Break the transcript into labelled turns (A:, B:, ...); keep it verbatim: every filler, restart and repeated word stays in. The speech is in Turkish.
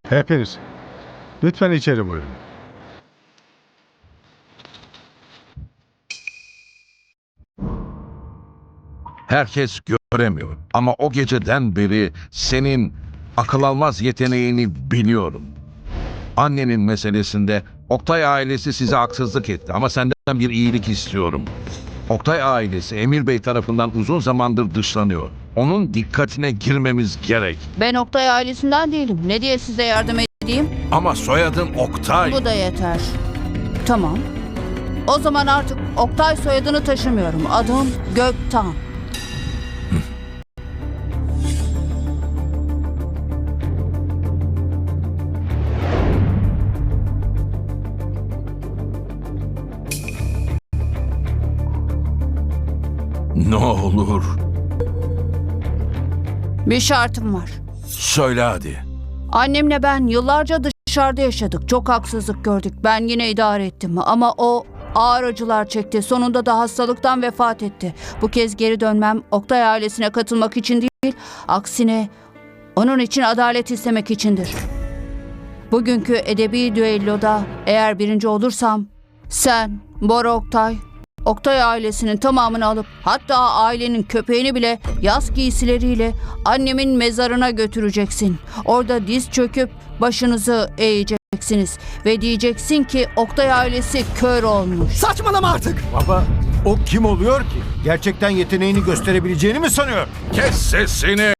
A: Hepiniz. Lütfen içeri buyurun.
B: Herkes göremiyor ama o geceden beri senin akıl almaz yeteneğini biliyorum. Annenin meselesinde Oktay ailesi size haksızlık etti ama senden bir iyilik istiyorum. Oktay ailesi Emir Bey tarafından uzun zamandır dışlanıyor. Onun dikkatine girmemiz gerek.
C: Ben Oktay ailesinden değilim. Ne diye size yardım edeyim?
B: Ama soyadın Oktay.
C: Bu da yeter. Tamam. O zaman artık Oktay soyadını taşımıyorum. Adım Göktan.
B: Ne olur
C: Bir şartım var.
B: söyle hadi.
C: Annemle ben yıllarca dışarıda yaşadık. Çok haksızlık gördük. Ben yine idare ettim. Ama o ağır acılar çekti. Sonunda da hastalıktan vefat etti. Bu kez geri dönmem Oktay ailesine katılmak için değil, aksine onun için adalet istemek içindir. Bugünkü edebi düelloda eğer birinci olursam sen, Bora Oktay, Oktay ailesinin tamamını alıp hatta ailenin köpeğini bile yaz giysileriyle annemin mezarına götüreceksin. Orada diz çöküp başınızı eğeceksiniz ve diyeceksin ki Oktay ailesi kör olmuş.
D: Saçmalama artık.
E: Baba, o kim oluyor ki? Gerçekten yeteneğini gösterebileceğini mi sanıyor?
B: Kes sesini.